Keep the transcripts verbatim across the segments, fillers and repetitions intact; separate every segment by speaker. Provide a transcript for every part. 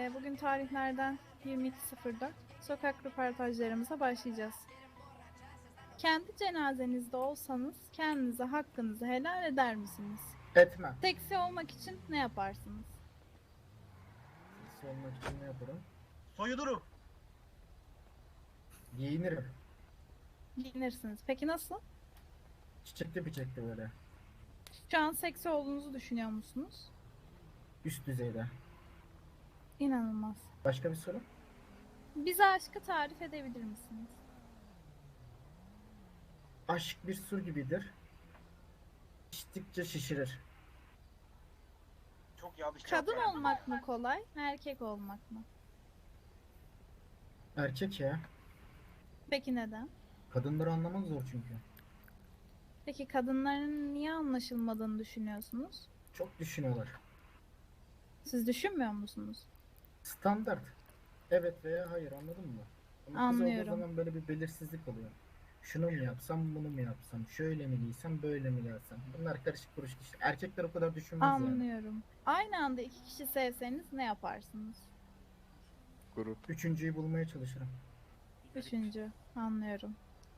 Speaker 1: Ee, bugün tarihlerden yirmi iki sıfır dört sokak röportajlarımıza başlayacağız. Kendi cenazenizde olsanız kendinize hakkınızı helal eder misiniz?
Speaker 2: Etmem.
Speaker 1: Seksi olmak için ne yaparsınız?
Speaker 2: Seksi olmak için ne yaparım?
Speaker 3: Soyunurum.
Speaker 2: Giyinirim.
Speaker 1: Giyinirsiniz. Peki nasıl?
Speaker 2: Çiçekli biçekli böyle.
Speaker 1: Şu an seksi olduğunuzu düşünüyor musunuz?
Speaker 2: Üst düzeyde.
Speaker 1: İnanılmaz.
Speaker 2: Başka bir soru?
Speaker 1: Bize aşkı tarif edebilir misiniz?
Speaker 2: Aşk bir su gibidir. İçtikçe şişirir.
Speaker 3: Çok yanlış cevap
Speaker 1: Kadın
Speaker 3: verdim.
Speaker 1: olmak mı kolay, erkek olmak mı?
Speaker 2: Erkek ya.
Speaker 1: Peki neden?
Speaker 2: Kadınları anlamak zor çünkü.
Speaker 1: Peki kadınların niye anlaşılmadığını düşünüyorsunuz?
Speaker 2: Çok düşünüyorlar.
Speaker 1: Siz düşünmüyor musunuz?
Speaker 2: Standart. Evet veya hayır, anladın mı? Ama kız
Speaker 1: Anlıyorum.
Speaker 2: olduğu zaman böyle bir belirsizlik oluyor. Şunu mu yapsam, bunu mu yapsam, şöyle mi giysem, böyle mi gelsem. Bunlar karışık kuruşuk işte. Erkekler o kadar düşünmez yani.
Speaker 1: Anlıyorum. Aynı anda iki kişi sevseniz ne yaparsınız?
Speaker 4: Grup.
Speaker 2: Üçüncüyü bulmaya çalışırım.
Speaker 1: Üçüncü. Anlıyorum.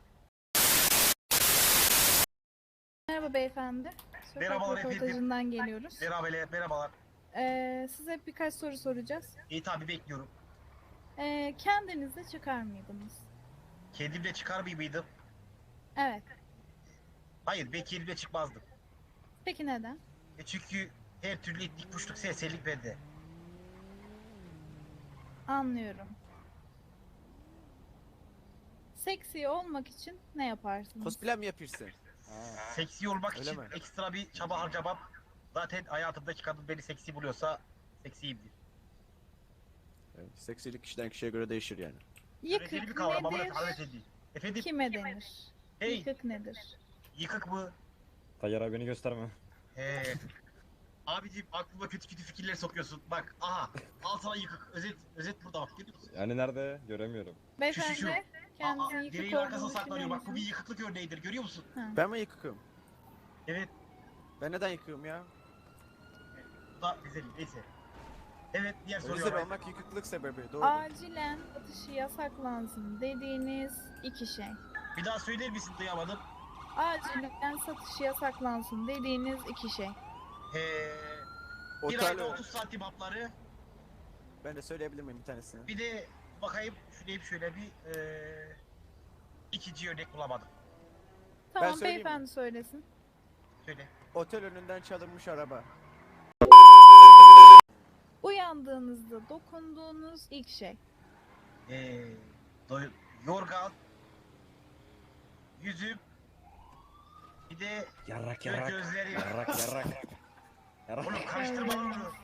Speaker 1: Merhaba beyefendi. Sokak
Speaker 3: Merhabalar efendim.
Speaker 1: röportajından geliyoruz.
Speaker 3: Merhabalar, merhabalar.
Speaker 1: Ee, size birkaç soru soracağız.
Speaker 3: İyi tabi bekliyorum.
Speaker 1: Ee, kendinizde çıkar mıydınız?
Speaker 3: Kendimle çıkar mıydım?
Speaker 1: Evet.
Speaker 3: Hayır, ben kendimle çıkmazdım.
Speaker 1: Peki neden?
Speaker 3: E çünkü her türlü itlik puşluk serserilik bende.
Speaker 1: Anlıyorum. Seksi olmak için ne yaparsınız?
Speaker 4: Cosplay mi yapıyorsun?
Speaker 3: Seksi olmak
Speaker 4: Öyle
Speaker 3: için
Speaker 4: mi?
Speaker 3: ekstra bir çaba harcamam. Zaten hayatımdaki kadın beni seksi buluyorsa seksiyimdir.
Speaker 4: Evet, seksilik kişiden kişiye göre değişir yani.
Speaker 1: Yıkık
Speaker 3: Öğreteli bir kavram ama
Speaker 1: nedir?
Speaker 3: hanımefendi. Efendim,
Speaker 1: Kime denir?
Speaker 3: hey,
Speaker 1: Yıkık nedir?
Speaker 3: yıkık mı?
Speaker 5: Tayyar abi beni gösterme.
Speaker 3: He. Abicim aklıma kötü kötü fikirler sokuyorsun. Bak, aha, al sana yıkık. Özet, özet burada bak, görüyor musun?
Speaker 5: Yani nerede? Göremiyorum.
Speaker 1: Beyefendi
Speaker 3: şu.
Speaker 1: kendinizin
Speaker 3: Aa,
Speaker 1: yıkık
Speaker 3: direğin arkasına
Speaker 1: olduğunu
Speaker 3: saklanıyor.
Speaker 1: düşünüyor
Speaker 3: Bak, bu bir
Speaker 1: musunuz?
Speaker 3: yıkıklık örneğidir, görüyor musun?
Speaker 1: Ha.
Speaker 4: Ben mi yıkıkım?
Speaker 3: Evet,
Speaker 4: Ben neden yıkığım ya?
Speaker 3: bu da güzel, neyse. Evet, diğer soruya
Speaker 4: Özel
Speaker 3: bak.
Speaker 4: olmak yıkıklık sebebi, doğru.
Speaker 1: Acilen atışı yasaklansın dediğiniz iki şey.
Speaker 3: Bir daha söyler misin, duyamadım.
Speaker 1: Acilen satışı yasaklansın dediğiniz iki şey.
Speaker 3: Ee, bir
Speaker 4: Otel,
Speaker 3: ayda otuz santim hapları.
Speaker 4: ben de söyleyebilir miyim bir tanesini?
Speaker 3: Bir de bakayım, şuraya bir şöyle bir ee, ikinci örnek bulamadım.
Speaker 1: Tamam
Speaker 4: söyleyeyim
Speaker 1: beyefendi söylesin.
Speaker 3: Söyle.
Speaker 4: Otel önünden çalınmış araba.
Speaker 1: Uyandığınızda dokunduğunuz ilk şey.
Speaker 3: Ee, doy- yorgan, yüzüm, bir de
Speaker 5: Yarrak
Speaker 3: gö-
Speaker 5: yarrak.
Speaker 3: gözlerim.
Speaker 5: Yarrak yarrak. Yarrak.
Speaker 3: Oğlum karıştırma lan onu.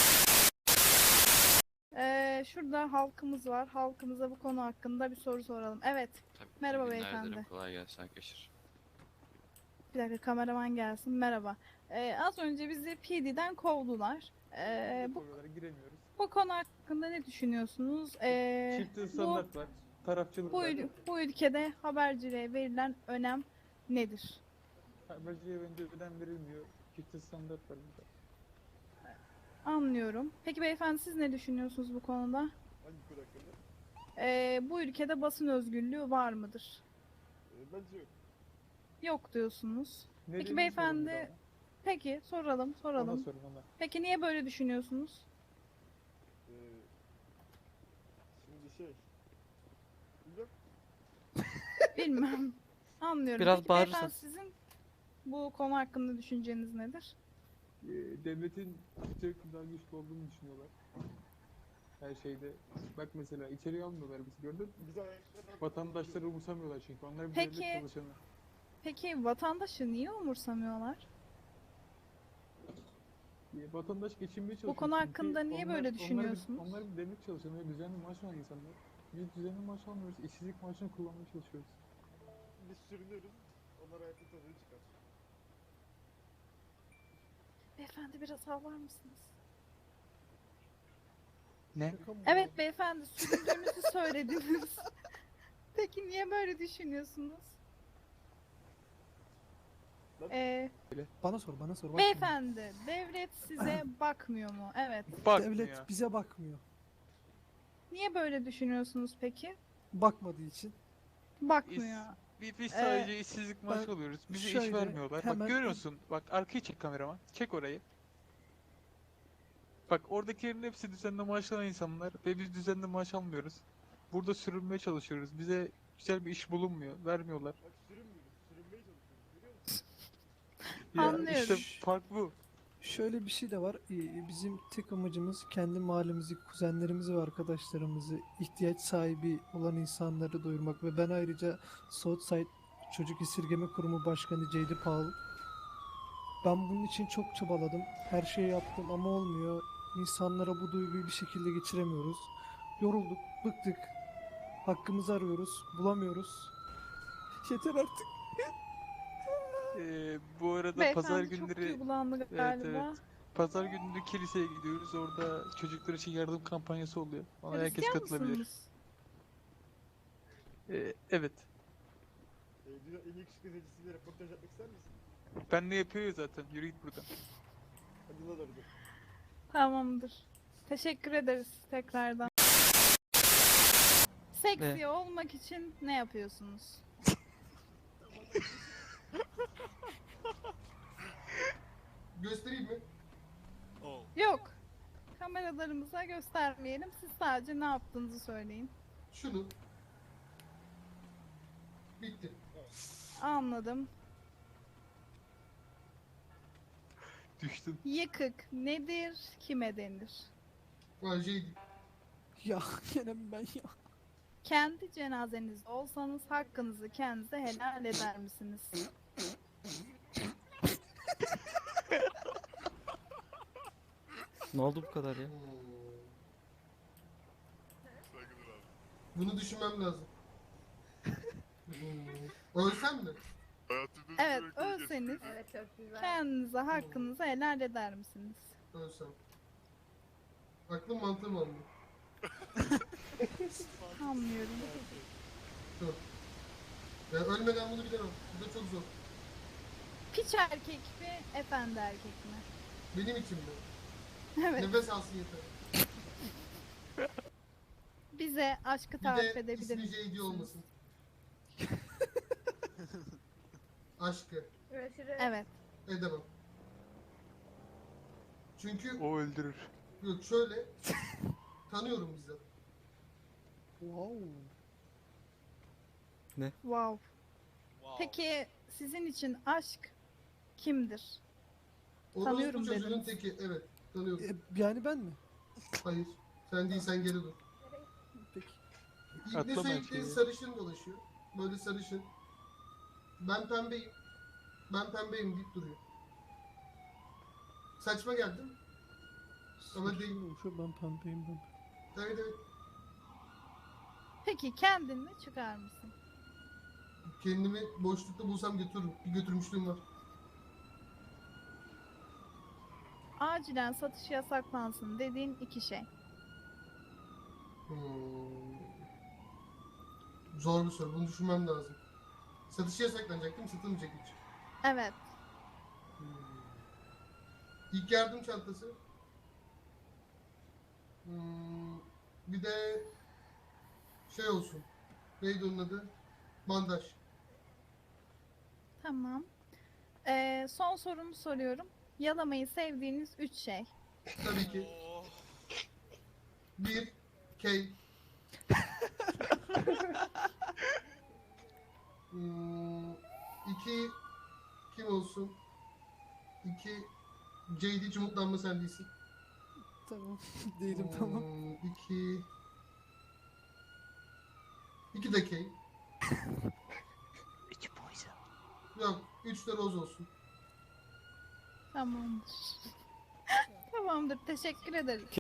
Speaker 1: Ee, şurada halkımız var. Halkımıza bu konu hakkında bir soru soralım. Evet.
Speaker 6: Tabii,
Speaker 1: Merhaba
Speaker 6: iyi günler
Speaker 1: beyefendi.
Speaker 6: dilerim, kolay gelsin arkadaşlar.
Speaker 1: Bir dakika kameraman gelsin. Merhaba. Ee, az önce bizi P D'den kovdular. Ee, bu,
Speaker 7: giremiyoruz.
Speaker 1: bu konu hakkında ne düşünüyorsunuz? Ee,
Speaker 7: Çift
Speaker 1: bu,
Speaker 7: standart var. Tarafçılık
Speaker 1: bu,
Speaker 7: var.
Speaker 1: ül- bu ülkede haberciliğe verilen önem nedir?
Speaker 7: Haberciye bence ödem verilmiyor. Çift standart var burada.
Speaker 1: Anlıyorum. Peki beyefendi siz ne düşünüyorsunuz bu konuda?
Speaker 7: Hangi konu hakkında?
Speaker 1: Ee, bu ülkede basın özgürlüğü var mıdır?
Speaker 7: bence yok.
Speaker 1: Yok diyorsunuz.
Speaker 7: Nedenini
Speaker 1: Peki beyefendi,
Speaker 7: sorun bir
Speaker 1: peki soralım
Speaker 7: daha. Ona
Speaker 1: soralım.
Speaker 7: sorun ona.
Speaker 1: Peki niye böyle düşünüyorsunuz?
Speaker 7: Ee, şimdi şey... Bilmiyorum.
Speaker 1: Bilmem. Anlıyorum.
Speaker 8: Biraz
Speaker 1: Peki beyefendi
Speaker 8: bağırırsanız.
Speaker 1: sizin bu konu hakkında düşünceniz nedir?
Speaker 7: Ee, devletin Türk daha güçlü olduğunu düşünüyorlar. Her şeyde. Bak mesela içeriye almıyorlar bizi, gördün mü? Vatandaşları umursamıyorlar çünkü. Onlar bir
Speaker 1: Peki.
Speaker 7: devlet çalışanı.
Speaker 1: Peki vatandaşı niye umursamıyorlar?
Speaker 7: Ee, Vatandaş geçinmeye çalışıyor.
Speaker 1: konu
Speaker 7: çünkü
Speaker 1: hakkında niye böyle
Speaker 7: onlar bir-
Speaker 1: düşünüyorsunuz?
Speaker 7: Onlar bir, devlet çalışanı ve düzenli maaş alan insanlar. Biz düzenli maaş almıyoruz. İşsizlik maaşını kullanmaya çalışıyoruz. Biz sürünüyoruz. Onlar hayatın tadını çıkar.
Speaker 1: Beyefendi biraz havlar mısınız?
Speaker 8: Ne?
Speaker 1: Evet beyefendi süründüğünüzü söylediniz. Peki niye böyle düşünüyorsunuz? Ee,
Speaker 8: Bana sor, bana sor. Bakmıyor.
Speaker 1: beyefendi devlet size bakmıyor mu? Evet.
Speaker 7: Bakmıyor.
Speaker 8: Devlet bize bakmıyor.
Speaker 1: Niye böyle düşünüyorsunuz peki?
Speaker 6: Bakmadığı için.
Speaker 1: Bakmıyor.
Speaker 7: Biz, biz
Speaker 1: Ee,
Speaker 7: sadece işsizlik maaşı
Speaker 6: ben
Speaker 7: alıyoruz. Bize iş
Speaker 6: şöyle
Speaker 7: vermiyorlar.
Speaker 6: hemen-
Speaker 7: Bak görüyor musun? Bak arkayı çek kameraman. Çek orayı. Bak oradakilerin hepsi düzenli maaş alan insanlar ve biz düzenli maaş almıyoruz. Burada sürünmeye çalışıyoruz. Bize güzel bir iş bulunmuyor. Vermiyorlar. Ya
Speaker 1: Anlıyorum.
Speaker 7: işte fark bu.
Speaker 6: Şöyle bir şey de var. Ee, Bizim tek amacımız kendi mahallemizi, kuzenlerimizi ve arkadaşlarımızı, ihtiyaç sahibi olan insanları doyurmak ve ben ayrıca Southside Çocuk Esirgeme Kurumu Başkanı J D Paul. Ben bunun için çok çabaladım. Her şeyi yaptım ama olmuyor. İnsanlara bu duyguyu bir şekilde geçiremiyoruz. Yorulduk, bıktık. Hakkımızı arıyoruz, bulamıyoruz. Yeter artık.
Speaker 7: Ee, bu arada
Speaker 1: Beyefendi
Speaker 7: pazar
Speaker 1: çok
Speaker 7: günleri
Speaker 1: duygulandı
Speaker 7: evet,
Speaker 1: galiba.
Speaker 7: evet. Pazar günleri kiliseye gidiyoruz. Orada çocuklar için yardım kampanyası oluyor. Ona herkes
Speaker 1: Hristiyan
Speaker 7: katılabilir.
Speaker 1: mısınız?
Speaker 7: Ee, evet.
Speaker 8: Dünya en yakışıklı zenci röportaj yapmak ister misin?
Speaker 7: Ben ne yapıyor ya zaten. Yürü git buradan.
Speaker 8: Hadi lan orada.
Speaker 1: Tamamdır. Teşekkür ederiz tekrardan. Seksi olmak için ne yapıyorsunuz?
Speaker 8: Göstereyim mi?
Speaker 1: Yok. Kameralarımıza göstermeyelim. Siz sadece ne yaptığınızı söyleyin.
Speaker 8: Şunu. Bitti.
Speaker 1: Anladım.
Speaker 7: Düştüm.
Speaker 1: Yıkık nedir, kime denir?
Speaker 8: Vajeydi.
Speaker 6: Ya gene mi ben ya?
Speaker 1: Kendi cenazenizde olsanız hakkınızı kendinize helal eder misiniz?
Speaker 9: Ne oldu bu kadar ya?
Speaker 8: Bunu düşünmem lazım. Hmm. Ölsem mi?
Speaker 1: Evet, ölseniz kendinize hakkınızı helal eder misiniz?
Speaker 8: Ölsem. Aklım mantığım almıyor.
Speaker 1: Anlıyorum.
Speaker 8: Dur. Ya ölmeden bunu bilemem. Bu da çok zor.
Speaker 1: Piç erkek mi, efendi erkek mi?
Speaker 8: Benim için mi?
Speaker 1: Evet,
Speaker 8: Nefes alsın yeter.
Speaker 1: bize aşkı
Speaker 8: Bir
Speaker 1: tarif
Speaker 8: de
Speaker 1: edebilir
Speaker 8: ismi J D
Speaker 1: misiniz?
Speaker 8: olmasın. Aşkı.
Speaker 1: Evet,
Speaker 8: Edemem. Çünkü
Speaker 7: O öldürür.
Speaker 8: yok şöyle tanıyorum bizzat.
Speaker 6: Wow.
Speaker 1: wow. Peki sizin için aşk kimdir? Tanıyorum
Speaker 8: Orospu çocuğunun
Speaker 1: dediniz.
Speaker 8: teki. Evet. Tanıyorum.
Speaker 6: E, yani ben mi?
Speaker 8: Hayır. Sen değil, sen geri dur.
Speaker 6: Peki.
Speaker 8: İbne
Speaker 7: Atlama
Speaker 8: sürekli
Speaker 7: şeyi.
Speaker 8: sarışın dolaşıyor. Böyle sarışın. Ben pembeyim. Ben pembeyim deyip duruyor. Saçma geldim. Ama
Speaker 6: Sarışın
Speaker 8: değil.
Speaker 6: olmuş, ben pembeyim ben.
Speaker 8: Evet evet.
Speaker 1: Peki kendini çıkar mısın?
Speaker 8: Kendimi boşlukta bulsam götürürüm. Bir götürmüşlüğüm var.
Speaker 1: Acilen satış yasaklansın dediğin iki şey.
Speaker 8: Hmm. Zor bir soru. Bunu düşünmem lazım. Satışı yasaklanacak değil mi? Satılmayacak hiç.
Speaker 1: Evet,
Speaker 8: Hmm. İlk yardım çantası. Hmm. Bir de şey olsun. Neydi onun adı? Bandaj.
Speaker 1: tamam. Ee, son sorumu soruyorum. Yalamayı sevdiğiniz üç şey.
Speaker 8: Tabii ki. Bir. Kay. hmm. İki. Kim olsun? İki. J D hiç umutlanma sen değilsin.
Speaker 6: Tamam. Değilim tamam.
Speaker 8: Hmm, İki. İki de Kay. Yok. Üç de Rose olsun.
Speaker 1: Tamamdır. Tamamdır, teşekkür ederim.